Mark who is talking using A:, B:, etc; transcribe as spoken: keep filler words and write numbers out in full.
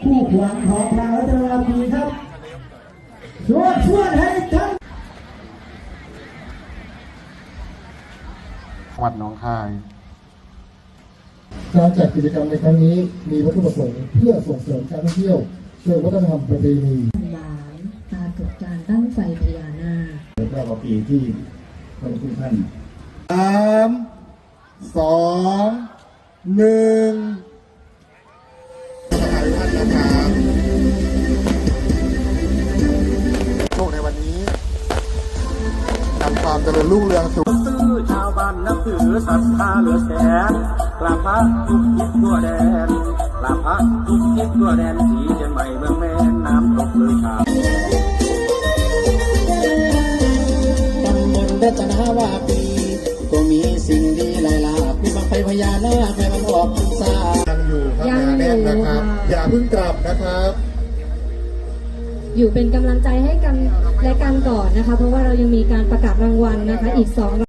A: ผู้ขวัญของพระรัตนวดีครับชวนชวนให้ทั้ง
B: จังหวัดหนองคาย
A: การจัดกิจกรรมในครั้งนี้มีวัตถุประสงค์เพื่อส่งเสริมการท่องเที่ยวเชิงวัฒนธรรมประเพณี
C: หลานปรากฏการตั้งไฟพญานาค
A: และก็ปีที่พระคุณท่านสามสองหนึ่งท่านนะครับโชคในวันนี้นำความเจริญรุ่งเรืองสู่
D: ตื้อชาวบ้านนับถือศรัทธาเหลือแสนกราบพระทุกทิศทั่วแดนกราบพระทุกทิศทั่วแดนสีเชียงใหม่เมืองแม่น้ำตกเลยชา
E: ตำบลรัตนาวาปีก็มีสิ่งดีหลายหลากมีบังไฟพญานาคให้มันออกพรรษา
A: ยังอยู่ครับแน่นนะครับอย่าเพิ่งกลับนะครับ
C: อยู่เป็นกำลังใจให้กันและกันก่อนนะคะเพราะว่าเรายังมีการประกาศรางวัลนะคะอีกสอง